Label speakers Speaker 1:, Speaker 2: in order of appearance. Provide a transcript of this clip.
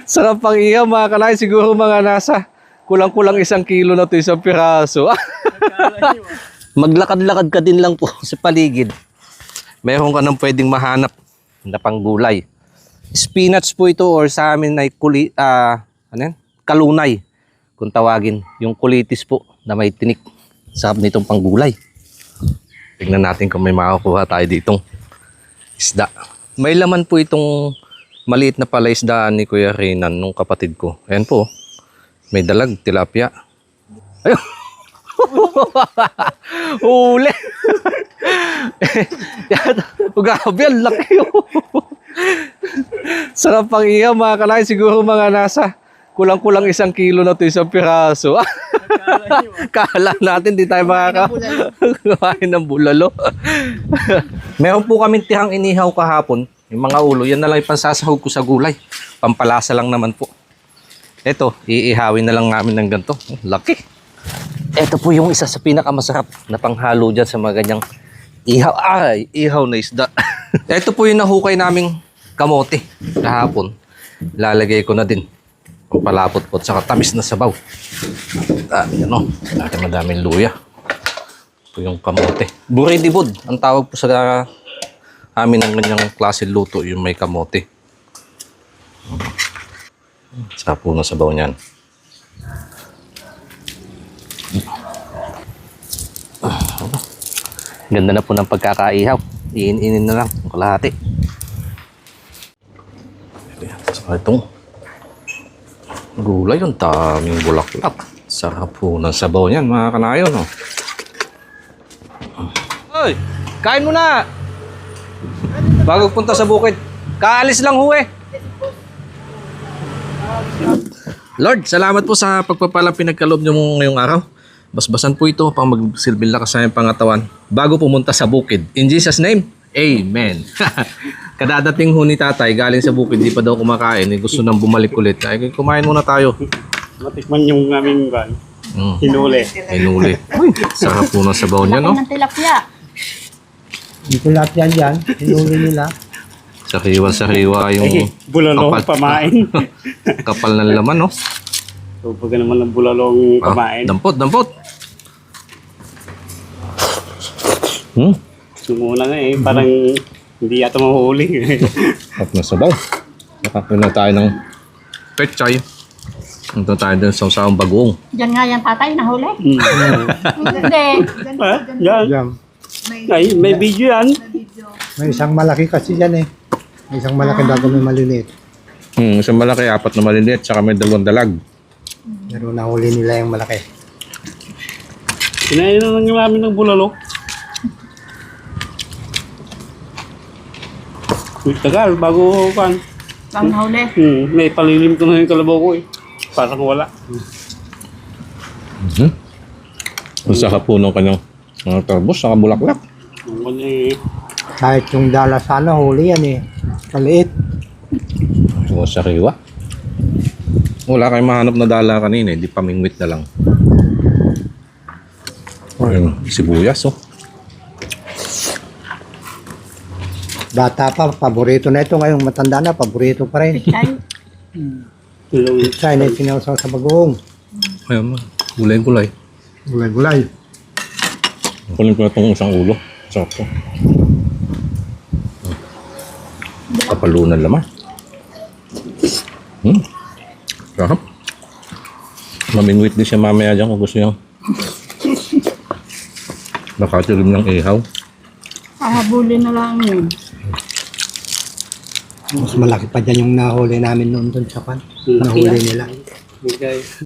Speaker 1: Sarap pang ihaw mga kanay. Siguro mga nasa kulang-kulang 1 kilo na ito isang piraso. Maglakad-lakad ka din lang po sa paligid. Meron ka nang pwedeng mahanap na panggulay. Spinach po ito or sa amin ay kalunay kung tawagin. Yung kulitis po na may tinik. Sarap nitong panggulay. Tignan natin kung may makakuha tayo ditong isda. May laman po itong maliit na palaisdaan ni Kuya Renan nung kapatid ko. Ayan po. May dalag, tilapia. Ayun. Uli. Grabe, ang laki. Sarap pang ihaw mga kanay. Siguro mga nasa kulang-kulang 1 kilo na ito isang piraso. Kala natin di tayo makakain ng bulalo. Meron po kaming tihang inihaw kahapon. Yung mga ulo, yan na lang ipansasahog ko sa gulay. Pampalasa lang naman po. Ito, iihawin na lang namin ng ganito. Laki. Ito po yung isa sa pinakamasarap na panghalo dyan sa mga ganyang ihaw. Ay, ihaw na isda. Ito po yung nahukay naming kamote kahapon. Lalagay ko na din. Palapot po at saka tamis na sabaw. Yan o. Madaming luya. Ito yung kamote. Buridibod. Ang tawag po sa amin ng ganyang klase luto yung may kamote. Saka po na sabaw niyan. Ganda na po ng pagkakaihaw. Iin-inin na lang ang kalahati. Saka itong gulay, yung daming bulaklak. Sarap po ng sabaw niyan mga kanayon. Oh. Hoy, kain mo na! Bago punta sa bukid. Kaalis lang ho eh. Lord, salamat po sa pagpapalang pinagkaloob niyo ngayong araw. Basbasan po ito pang magsilbing lakas sa iyong pangatawan bago pumunta sa bukid. In Jesus' name, Amen. Kadadating ho ni tatay galing sa bukid, di pa daw kumakain. Gusto nang bumalik ulit. Ay, kumain muna tayo.
Speaker 2: Matikman yung aming hinuli.
Speaker 1: Hinuli. Uy, sarap po ng sabaw niya, no?
Speaker 3: Ng tilapia.
Speaker 4: Yung tilapia dyan, hinuli nila.
Speaker 1: Sariwa yung
Speaker 2: Bulalong pamain.
Speaker 1: kapal ng laman, no?
Speaker 2: So, pag naman ng bulalong pamain.
Speaker 1: Dampot.
Speaker 2: Yung una nga parang hindi yata mahuli.
Speaker 1: At na sabaw. Nakakuha na tayo ng pechay. Punta tayo din sa usawang bagoong.
Speaker 3: Diyan nga yan tatay, nahuli. Hindi.
Speaker 2: Yan.
Speaker 4: Yan.
Speaker 2: Ay, may video yan.
Speaker 4: May isang malaki kasi dyan eh. May isang malaki bago may maliliit.
Speaker 1: Isang malaki, 4 na maliliit, saka may 2 dalag.
Speaker 4: Pero nahuli nila yung malaki.
Speaker 2: Kinain na lang namin ng bulalo. Tagal, bago kan.
Speaker 3: Bang nahuli.
Speaker 2: May palilim ko na yung kalabaw ko eh. Parang wala.
Speaker 1: Ang sarap po ng kanyang tarbos, saka bulaklak.
Speaker 4: Kahit yung dala sana huli yan eh. Kaliit.
Speaker 1: So, sariwa. Wala kayong mahanap na dala kanina, hindi pamingwit na lang. Ayun, sibuyas, oh.
Speaker 4: Bata pa, paborito na ito. Ngayon matanda na, paborito pa rin. Siya na sinawsaw sa bagoong.
Speaker 1: Ayun, gulay-gulay.
Speaker 4: Gulay-gulay.
Speaker 1: Kunin ko na itong isang ulo. Sarap po. Kapalunan laman. Sarap. Mamingwit din siya mamaya dyan kung gusto niya. Nakatilim ng ihaw.
Speaker 3: Hahabulin na lang yun.
Speaker 4: Mas malaki pa dyan yung nahuli namin noon dun sa pan. Nahuli nila.
Speaker 2: Okay.